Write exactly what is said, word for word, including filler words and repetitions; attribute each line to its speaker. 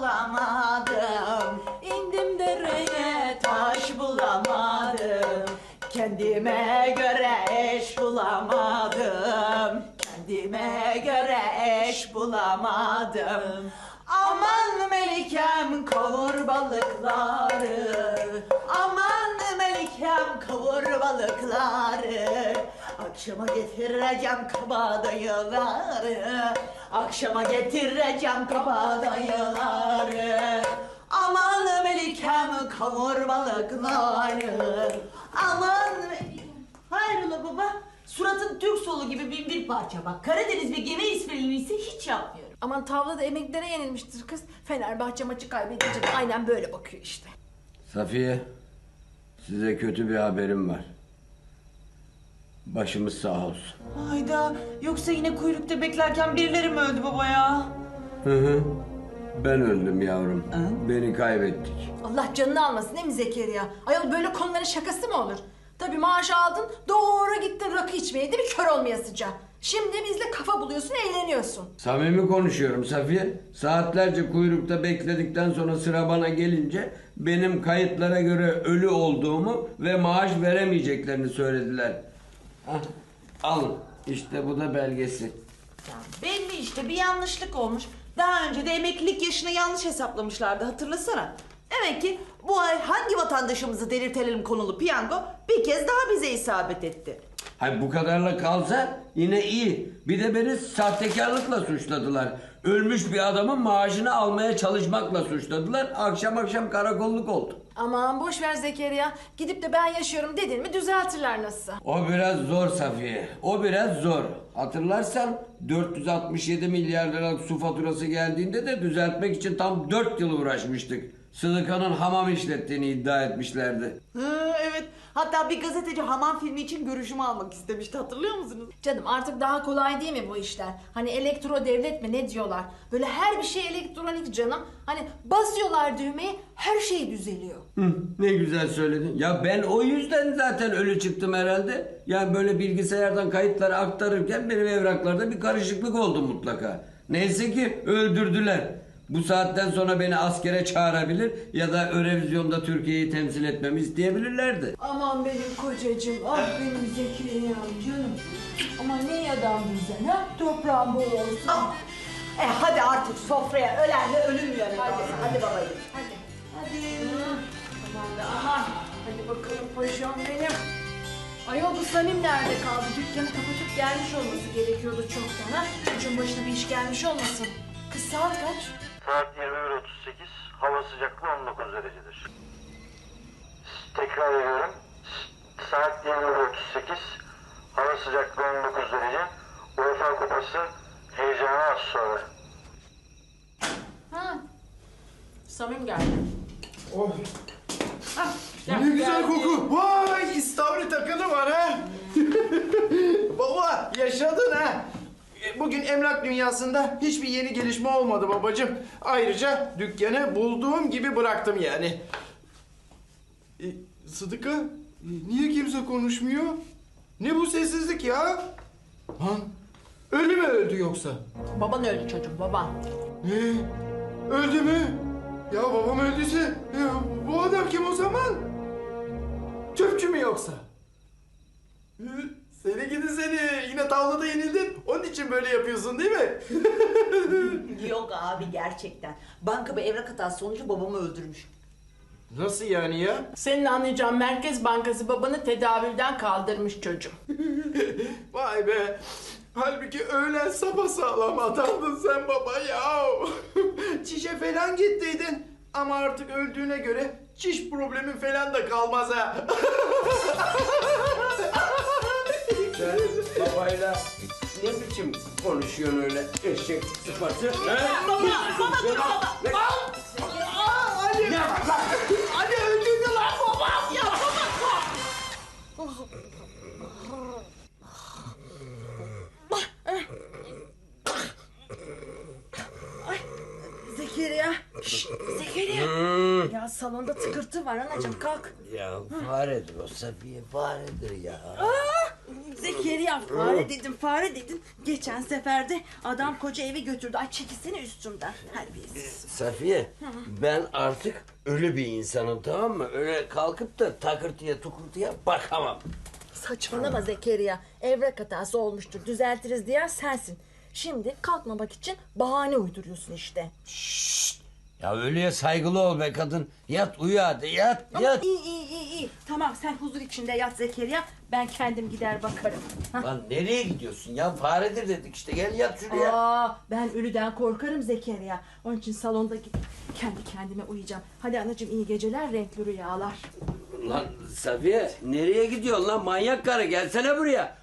Speaker 1: bulamadım. İndim dereye taş bulamadım. Kendime göre eş bulamadım. Kendime göre eş bulamadım. Aman Melikem kavur balıkları. Aman Melikem kavur balıkları. Akşama getireceğim kabadayıları. Akşama getireceğim kabadayıları. Aman Melikem kavur balıkları. Aman Melikem. Hayrola baba? Suratın Türk solu gibi bin bir parça bak. Karadeniz ve gemi esprilerini ise hiç yapmıyorum.
Speaker 2: Aman tavlada emeklilere yenilmiştir kız. Fenerbahçe maçı kaybedince de aynen böyle bakıyor işte.
Speaker 3: Safiye, size kötü bir haberim var. Başımız sağ olsun.
Speaker 1: Hayda, yoksa yine kuyrukta beklerken birileri mi öldü baba ya?
Speaker 3: Hı hı. Ben öldüm yavrum.
Speaker 1: Hı?
Speaker 3: Beni kaybettik.
Speaker 2: Allah canını almasın değil mi Zekeriya? Ayol böyle konuların şakası mı olur? Tabii maaş aldın, doğru gittin rakı içmeye değil mi? Kör olmayasıca. Şimdi bizle kafa buluyorsun, eğleniyorsun.
Speaker 3: Samimi konuşuyorum Safiye. Saatlerce kuyrukta bekledikten sonra sıra bana gelince benim kayıtlara göre ölü olduğumu ve maaş veremeyeceklerini söylediler. Hah, alın. İşte bu da belgesi.
Speaker 1: Ya belli işte bir yanlışlık olmuş. Daha önce de emeklilik yaşını yanlış hesaplamışlardı hatırlasana. Demek ki bu ay hangi vatandaşımızı delirtelim konulu piyango bir kez daha bize isabet etti.
Speaker 3: Hay bu kadarla kalsa yine iyi. Bir de beni sahtekarlıkla suçladılar. Ölmüş bir adamın maaşını almaya çalışmakla suçladılar. Akşam akşam karakolluk oldu.
Speaker 2: Aman boş ver Zekeriya. Gidip de ben yaşıyorum dedin mi düzeltirler nasılsa.
Speaker 3: O biraz zor Safiye. O biraz zor. Hatırlarsan dört yüz altmış yedi milyar liralık su faturası geldiğinde de düzeltmek için tam dört yıl uğraşmıştık. Sıdıka'nın hamam işlettiğini iddia etmişlerdi.
Speaker 1: Hı, evet. Hatta bir gazeteci hamam filmi için görüşümü almak istemişti hatırlıyor musunuz?
Speaker 2: Canım artık daha kolay değil mi bu işler? Hani elektro devlet mi ne diyorlar? Böyle her bir şey elektronik canım. Hani basıyorlar düğmeyi her şey düzeliyor.
Speaker 3: Hı, ne güzel söyledin. Ya ben o yüzden zaten ölü çıktım herhalde. Yani böyle bilgisayardan kayıtları aktarırken benim evraklarda bir karışıklık oldu mutlaka. Neyse ki öldürdüler. Bu saatten sonra beni askere çağırabilir ya da Eurovizyon'da Türkiye'yi temsil etmemi isteyebilirlerdi.
Speaker 2: Aman benim kocacığım, ah benim Zekeriya'm canım. Aman ne adam bizden ha? Toprağın bol olsun.
Speaker 1: Ah. E hadi artık sofraya ölenle ölüm yanıyor.
Speaker 2: Hadi.
Speaker 1: Hadi babacığım.
Speaker 2: Hadi. Hadi. Aman da aman. Hadi bakalım paşam benim. Ayol bu Samim nerede kaldı? Dükkanı kapatıp gelmiş olması gerekiyordu çoktan ha. Çocuğun başına bir iş gelmiş olmasın. Kız saat kaç?
Speaker 4: Saat yirmi bir otuz sekiz, hava sıcaklığı on dokuz derecedir. Tekrar ediyorum. Saat yirmi bir otuz sekiz, hava sıcaklığı on dokuz derece. UEFA Kupası heyecanı az sonra.
Speaker 2: Ha. Samim geldi.
Speaker 5: Oh.
Speaker 2: Ah,
Speaker 5: Ne güzel koku. Vay istavrit takılı var ha. Baba yaşadın ha. Bugün emlak dünyasında hiçbir yeni gelişme olmadı babacığım. Ayrıca dükkanı bulduğum gibi bıraktım yani. E, Sıdıka, e, niye kimse konuşmuyor? Ne bu sessizlik ya? Lan, ölü mü öldü yoksa?
Speaker 2: Baban öldü çocuğum, baban.
Speaker 5: Ne? Öldü mü? Ya babam öldüyse, ya, bu adam kim o zaman? Çöpçü mü yoksa? Hı, Seni gidi seni, yine tavlada yenildin, onun için böyle yapıyorsun değil mi?
Speaker 1: Yok abi gerçekten. Banka bir evrak hatası sonucu babamı öldürmüş.
Speaker 5: Nasıl yani ya?
Speaker 2: Senin anlayacağın Merkez Bankası babanı tedavülden kaldırmış çocuğum.
Speaker 5: Vay be! Halbuki öğlen sapasağlam adamdın sen baba ya. Çişe falan gittiydin. Ama artık öldüğüne göre çiş problemin falan da kalmaz ha.
Speaker 3: Sen babayla ne biçim konuşuyorsun öyle eşek sıfatı?
Speaker 1: Baba, baba dur baba.
Speaker 5: Ali! Ne var lan? Ali öldürdü lan babam ya!
Speaker 2: Zekeriya. Şşt, Zekeriya. Ya salonda tıkırtı var anacığım kalk.
Speaker 3: Ya faredir o Safiye faredir ya.
Speaker 1: Zeki Zekeriya fare dedim fare dedim. Geçen seferde adam koca evi götürdü. Ay çekilsene üstümden. Terbiyesiz.
Speaker 3: Safiye, ben artık ölü bir insanım, tamam mı? Öyle kalkıp da takırtıya tukurtuya bakamam.
Speaker 1: Saçmalama Zekeriya. Evrak hatası olmuştur. Düzeltiriz diyen sensin. Şimdi kalkmamak için bahane uyduruyorsun işte.
Speaker 3: Ya ölüye saygılı ol be kadın. Yat uyu hadi, yat yat.
Speaker 1: İyi iyi iyi iyi. Tamam sen huzur içinde yat Zekeriya. Ben kendim gider bakarım. Hah.
Speaker 3: Lan nereye gidiyorsun ya? Faredir dedik işte, gel yat şuraya.
Speaker 1: Aa, ben ölüden korkarım Zekeriya. Onun için salonda gidip kendi kendime uyuyacağım. Hadi anacığım iyi geceler, renkli rüyalar.
Speaker 3: Lan Safiye, nereye gidiyorsun lan manyak karı? Gelsene buraya.